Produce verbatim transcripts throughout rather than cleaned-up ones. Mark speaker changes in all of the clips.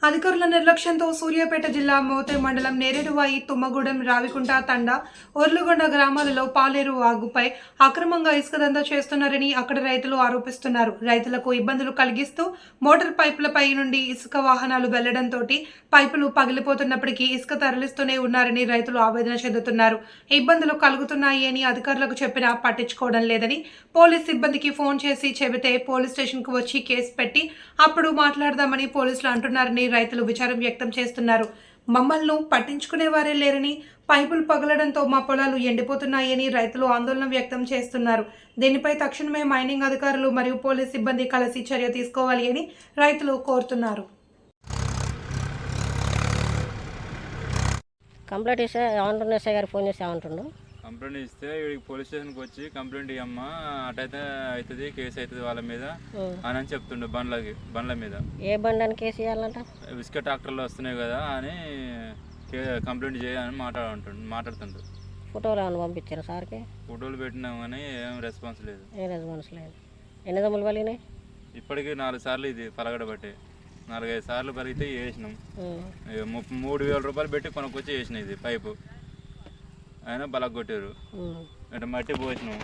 Speaker 1: అధికారుల నిర్లక్ష్యంతో సూర్యాపేట జిల్లా మోతే మండలం నేరేడువాయి తుమ్మగూడెం రావికుంట తండ ఒర్లుగొండ గ్రామాలలో పాలేరు వాగుపై అక్రమంగా ఇసుక దందా చేస్తున్నారని అక్కడ రైతులు ఆరోపిస్తున్నారు. రైతులకు ఇబ్బందులు కలిగిస్తూ మోటార్ పైపులపై నుండి ఇసుక వాహనాలు వెళ్లడంతో పైపులు పగిలిపోతున్నప్పటికీ ఇసుక తరలిస్తూనే ఉన్నారని రైతులు ఆవేదన చెందుతున్నారు. ఇబ్బందులు కలుగుతున్నాయి అని అధికారులకు చెప్పినా పట్టించుకోవడం లేదని పోలీస్ సిబ్బందికి ఫోన్ చేసి చెబితే పోలీస్ స్టేషన్ కు వచ్చి కేసు పెట్టి అప్పుడు మాట్లాడదామని పోలీసులు అంటున్నారని రైతులు విచారం వ్యక్తం చేస్తున్నారు. మమ్మల్ని పట్టించుకునేవారే లేరని, పైపులు పగలడంతో మా పొలాలు ఎండిపోతున్నాయని రైతులు ఆందోళన వ్యక్తం చేస్తున్నారు. దీనిపై తక్షణమే మైనింగ్ అధికారులు మరియు పోలీస్ సిబ్బంది కలిసి చర్య తీసుకోవాలి అని రైతులు కోరుతున్నారు.
Speaker 2: కంప్లైంట్ ఇస్తే ఏమంటుండే ఎస్ఐ గారు ఫోన్ చేసి ఏమంటుండు
Speaker 3: కంప్లైంట్ ఇస్తే ఇక్కడికి పోలీస్ స్టేషన్కి వచ్చి కంప్లైంట్ ఇవ్వమ్మా అటైతే అవుతుంది కేసు అవుతుంది వాళ్ళ మీద అని అని చెప్తుండే బండ్లకి బండ్ల మీద.
Speaker 2: ఏ బండి అని కేసు ఇవ్వాలంట?
Speaker 3: ఇసుక ట్రాక్టర్లు వస్తున్నాయి కదా అని కంప్లైంట్ చేయాలని మాట్లాడుతుండు మాట్లాడుతుండ్రు.
Speaker 2: ఫోటోలు ఏమైనా పంపించారు సార్కి?
Speaker 3: ఫోటోలు పెట్టినాం కానీ ఏం రెస్పాన్స్ లేదు.
Speaker 2: ఏం రెస్పాన్స్ లేదు. ఎన్ని దమ్ములు పలిగినాయి?
Speaker 3: ఇప్పటికీ నాలుగు సార్లు ఇది పలగడ బట్టి నాలుగైదు సార్లు పలిగితే వేసినాం. మూడు వేల రూపాయలు పెట్టి కొనుక్కొచ్చి వేసినాం ఇది పైపు. అయినా బలగ కొట్టారు. అంటే మట్టి పోసినాం.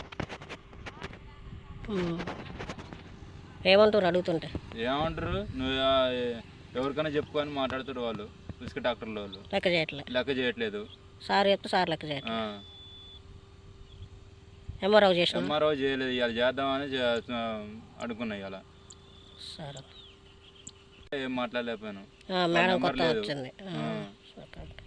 Speaker 2: ఏమంటారు అడుగుతుంటే? ఏమంటారు
Speaker 3: నువ్వు ఎవరికైనా చెప్పుకొని మాట్లాడుతారు వాళ్ళు ఇసుక డాక్టర్లు. వాళ్ళు
Speaker 2: లెక్క చేయట్లేదు లెక్క
Speaker 3: చేయట్లేదు
Speaker 2: సార్ చెప్తే సార్ లెక్క చేయట్లేదు. ఎంఆర్ఓ చేసిన
Speaker 3: ఎంఆర్ఓ చేయలేదు. ఇవాళ చేద్దామని అనుకున్నా. ఇవాళ
Speaker 2: సరే
Speaker 3: ఏం మాట్లాడలేకపోయాను.
Speaker 2: మేడం కొత్త వచ్చింది.